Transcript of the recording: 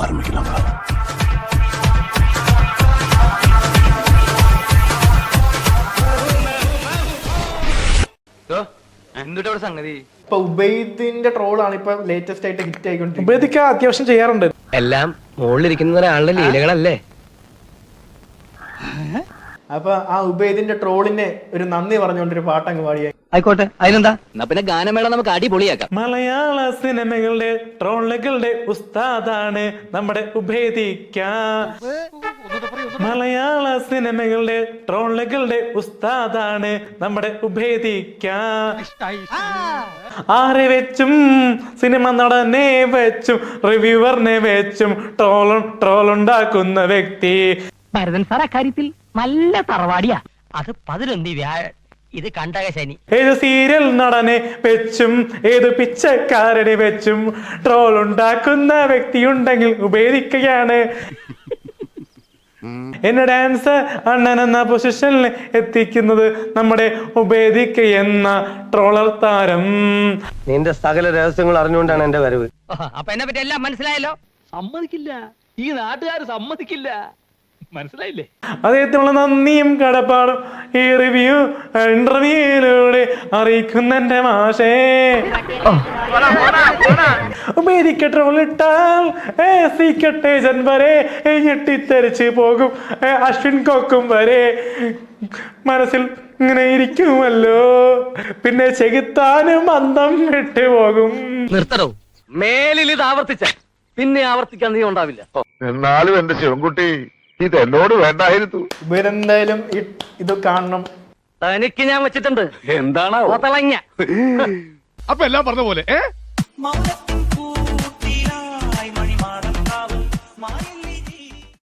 ஆரம்பிக்கலாம். എന്തുട്ട സംഗതി ഇപ്പൊ ഉബൈദിന്റെ ട്രോളാണ് ഇപ്പൊ ലേറ്റസ്റ്റ് ആയിട്ട് ഹിറ്റ് ആയിക്കൊണ്ടിരിക്കുന്നത്. ഉബൈദിക്ക അത്യാവശ്യം ചെയ്യാറുണ്ട്. എല്ലാം മുകളിലിരിക്കുന്ന ഒരാളുടെ ലീലകളല്ലേ. അപ്പൊ ആ ഉബൈദിന്റെ ട്രോളിനെ ഒരു നന്ദി പറഞ്ഞുകൊണ്ടൊരു പാട്ടങ്ങ് പാടിയായി. ആയിക്കോട്ടെ, അതിനെന്താ. എന്നാ പിന്നെ ഗാനമേള നമുക്ക് അടിപൊളിയാക്കാം. മലയാള സിനിമകളുടെ ട്രോളുകളുടെ ഉസ്താദാണ് നമ്മുടെ ഉബൈദിക്ക. മലയാള സിനിമകളുടെ ട്രോളുകളുടെ ഉസ്താദാണ് നമ്മുടെ ഉബൈദിക്ക. ആരെ വെച്ചും സിനിമ നടനെ വെച്ചും റിവ്യൂവറിനെ വെച്ചും ട്രോളുണ്ടാക്കുന്ന വ്യക്തി. ഭരതൻ സാർ അക്കാര്യത്തിൽ നല്ല തറവാടിയാ. അത് 11 വ്യാഴം, ഇത് കണ്ടക ശനി. ഏത് സീരിയൽ നടനെ വെച്ചും ഏത് പിച്ചക്കാരനെ വെച്ചും ട്രോൾ ഉണ്ടാക്കുന്ന വ്യക്തി ഉണ്ടെങ്കിൽ ഉപയോഗിക്കുകയാണ്. എന്നെ ഡാൻസ് അണ്ണൻ എന്ന പൊസിഷനിൽ എത്തിക്കുന്നത് നമ്മുടെ ഉബൈദിക്ക എന്ന ട്രോളർ താരം. നിന്റെ സകല രഹസ്യങ്ങൾ അറിഞ്ഞുകൊണ്ടാണ് എന്റെ വരവ്. അപ്പൊ എന്നെ പറ്റി എല്ലാം മനസ്സിലായല്ലോ. സമ്മതിക്കില്ല, ഈ നാട്ടുകാർ സമ്മതിക്കില്ല. മനസ്സിലായില്ലേ? അദ്ദേഹത്തിനുള്ള നന്ദിയും കടപ്പാടും ഈ ഇന്റർവ്യൂയിലൂടെ അറിയിക്കുന്ന എന്റെ മാഷേ. ഉബൈദിക്ക ട്രോൾ ഇട്ടാൽ സീക്രട്ട് ഏജന്റ് വരെ ഞെട്ടിത്തെറിച്ച് പോകും. അശ്വിൻ കോക്കും വരെ മനസ്സിൽ ഇങ്ങനെ ഇരിക്കുമല്ലോ. പിന്നെ ചെകുത്താനും അന്തം വിട്ടു പോകും. നിർത്തണോ? മേലിൽ ഇത് ആവർത്തിച്ച പിന്നെ ആവർത്തിക്കാൻ നീ ഉണ്ടാവില്ല. എന്നാലും എന്റെ ശിവൻകുട്ടി ഇത് എന്നോട് വേണ്ടായിരുന്നു. ഉബൈദ് എന്തായാലും ഇത് കാണണം. തനിക്ക് ഞാൻ വെച്ചിട്ടുണ്ട്. എന്താണോ തിളങ്ങ അപ്പൊ എല്ലാം പറഞ്ഞ പോലെ